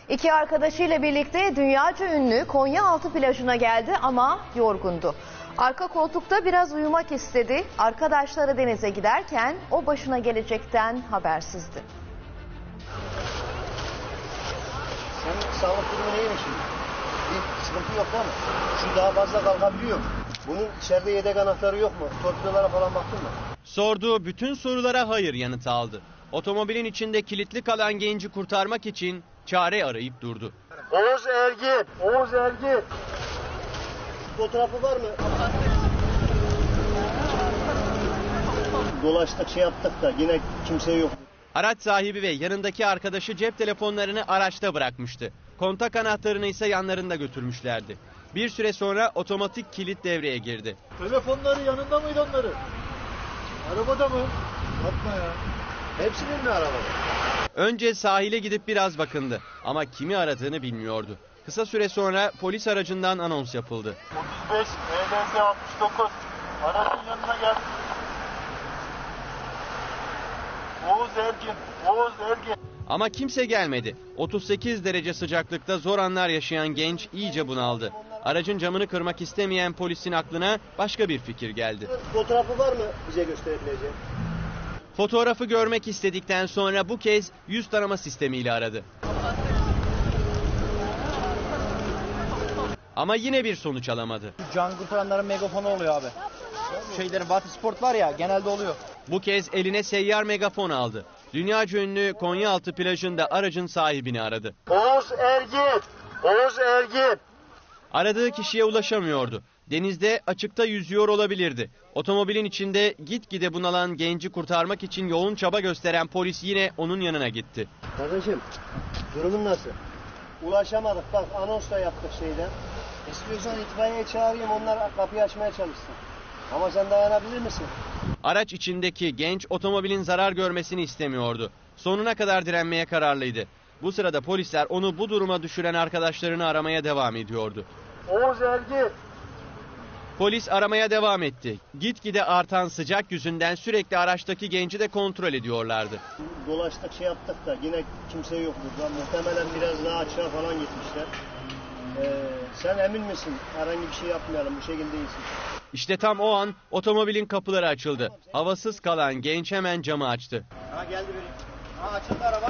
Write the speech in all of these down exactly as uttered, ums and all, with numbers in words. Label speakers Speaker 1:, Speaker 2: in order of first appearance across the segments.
Speaker 1: İki arkadaşıyla birlikte dünyaca ünlü Konyaaltı plajına geldi ama yorgundu. Arka koltukta biraz uyumak istedi. Arkadaşları denize giderken o başına gelecekten habersizdi.
Speaker 2: Senin sağlık durumu neymiş şimdi? Bir sıkıntı yok değil mi? Şu daha fazla kalkabiliyor. Bunun içeride yedek anahtarı yok mu? Torpidolara falan baktın mı?
Speaker 3: Sorduğu bütün sorulara hayır yanıtı aldı. Otomobilin içinde kilitli kalan genci kurtarmak için çare arayıp durdu.
Speaker 2: Oğuz Ergin! Oğuz Ergin! Fotoğrafı var mı? Dolaştık, şey yaptık da yine kimse yok.
Speaker 3: Araç sahibi ve yanındaki arkadaşı cep telefonlarını araçta bırakmıştı. Kontak anahtarını ise yanlarında götürmüşlerdi. Bir süre sonra otomatik kilit devreye girdi.
Speaker 2: Telefonları yanında mıydı onları? Arabada mı? Yapma ya. Hepsinin mi arabada?
Speaker 3: Önce sahile gidip biraz bakındı ama kimi aradığını bilmiyordu. Kısa süre sonra polis aracından anons yapıldı.
Speaker 4: otuz beş E D S altmış dokuz aracın yanına gel. Oğuz Ergin, Oğuz Ergin.
Speaker 3: Ama kimse gelmedi. otuz sekiz derece sıcaklıkta zor anlar yaşayan genç iyice bunaldı. Aracın camını kırmak istemeyen polisin aklına başka bir fikir geldi.
Speaker 2: Fotoğrafı var mı bize gösterebileceğin?
Speaker 3: Fotoğrafı görmek istedikten sonra bu kez yüz tanıma sistemiyle aradı. Ama yine bir sonuç alamadı.
Speaker 5: Can kurtaranların megafonu oluyor abi. Şeylerin Batı Sport var ya, genelde oluyor.
Speaker 3: Bu kez eline seyyar megafon aldı. Dünyaca ünlü Konyaaltı plajında aracın sahibini aradı.
Speaker 2: Oğuz Ergin! Oğuz Ergin!
Speaker 3: Aradığı kişiye ulaşamıyordu. Denizde açıkta yüzüyor olabilirdi. Otomobilin içinde gitgide bunalan genci kurtarmak için yoğun çaba gösteren polis yine onun yanına gitti.
Speaker 2: Kardeşim, durumun nasıl? Ulaşamadık, bak anons da yaptık şeyden. İstiyorsan itfaiyeyi çağırayım, onlar kapıyı açmaya çalışsın. Ama sen dayanabilir misin?
Speaker 3: Araç içindeki genç otomobilin zarar görmesini istemiyordu. Sonuna kadar direnmeye kararlıydı. Bu sırada polisler onu bu duruma düşüren arkadaşlarını aramaya devam ediyordu.
Speaker 2: Oğuz Ergin!
Speaker 3: Polis aramaya devam etti. Gitgide artan sıcak yüzünden sürekli araçtaki genci de kontrol ediyorlardı.
Speaker 2: Dolaştık, şey yaptık da yine kimse yok burada. Muhtemelen biraz daha açığa falan gitmişler. Ee, sen emin misin? Herhangi bir şey yapmayalım, bu şekilde iyisin.
Speaker 3: İşte tam o an otomobilin kapıları açıldı. Havasız kalan genç hemen camı açtı.
Speaker 5: Ha geldi biri. Ha açıldı araba.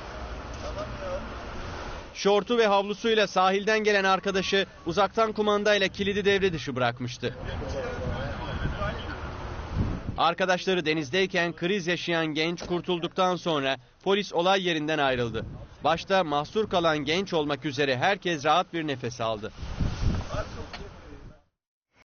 Speaker 3: Şortu ve havlusuyla sahilden gelen arkadaşı uzaktan kumandayla kilidi devre dışı bırakmıştı. Arkadaşları denizdeyken kriz yaşayan genç kurtulduktan sonra polis olay yerinden ayrıldı. Başta mahsur kalan genç olmak üzere herkes rahat bir nefes aldı.